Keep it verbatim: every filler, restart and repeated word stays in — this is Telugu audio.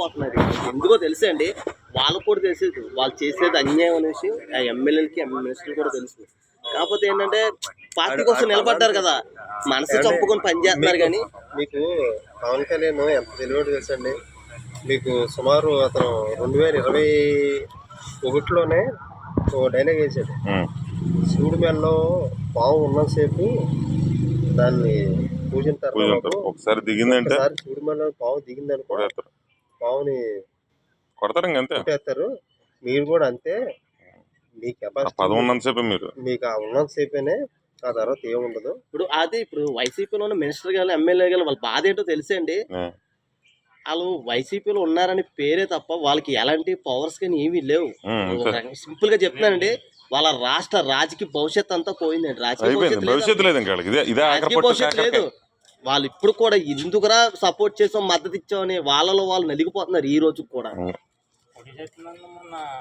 నలిగిపోతున్నారు. ఎందుకో తెలుసా అండి, వాళ్ళకు కూడా తెలిసేది వాళ్ళు చేసేది అన్యాయం అనే విషయం ఆ ఎమ్మెల్యేలకి మినిస్టర్లు కూడా తెలుసు. కాకపోతే ఏంటంటే పార్టీ కోసం నిలబడ్డారు కదా, మనసు చంపుకొని పని చేస్తున్నారు. కానీ మీకు పవన్ కళ్యాణ్ ఎంత తెలియదు తెలుసండి. మీకు సుమారు అతను రెండు వేల ఇరవై ఒకటిలోనే ఓ డైలాగ్ వేసాడు, శివుడి మెల్లో పాము ఉన్నంతసేపు దాన్ని పూజింటారు. ఒకసారి దిగిందంటే శివుడి మెల్లో పాము దిగింది అనుకో పావుని కొడతారు, అంతే కొట్టేస్తారు. మీరు కూడా అంతే, మీ కెపాసిటీ ఉన్నంతసేపు మీరు మీకు ఆ ఉన్నంతసేపేనే, ఆ తర్వాత ఏముండదు. ఇప్పుడు అదే ఇప్పుడు వైసీపీలో ఉన్న మినిస్టర్ గారు ఎమ్మెల్యే గారు వాళ్ళ బాధ ఏంటో తెలిసే అండి. వాళ్ళు వైసీపీలో ఉన్నారని పేరే తప్ప వాళ్ళకి ఎలాంటి పవర్స్ కానీ ఏమీ లేవు. సింపుల్ గా చెప్తున్నానండి, వాళ్ళ రాష్ట్ర రాజకీయ భవిష్యత్ అంతా పోయిందండి. రాజకీయ భవిష్యత్తు లేదు. వాళ్ళు ఇప్పుడు కూడా ఎందుకురా సపోర్ట్ చేసాం మద్దతు ఇచ్చామని వాళ్ళలో వాళ్ళు నలిగిపోతున్నారు ఈ రోజు కూడా.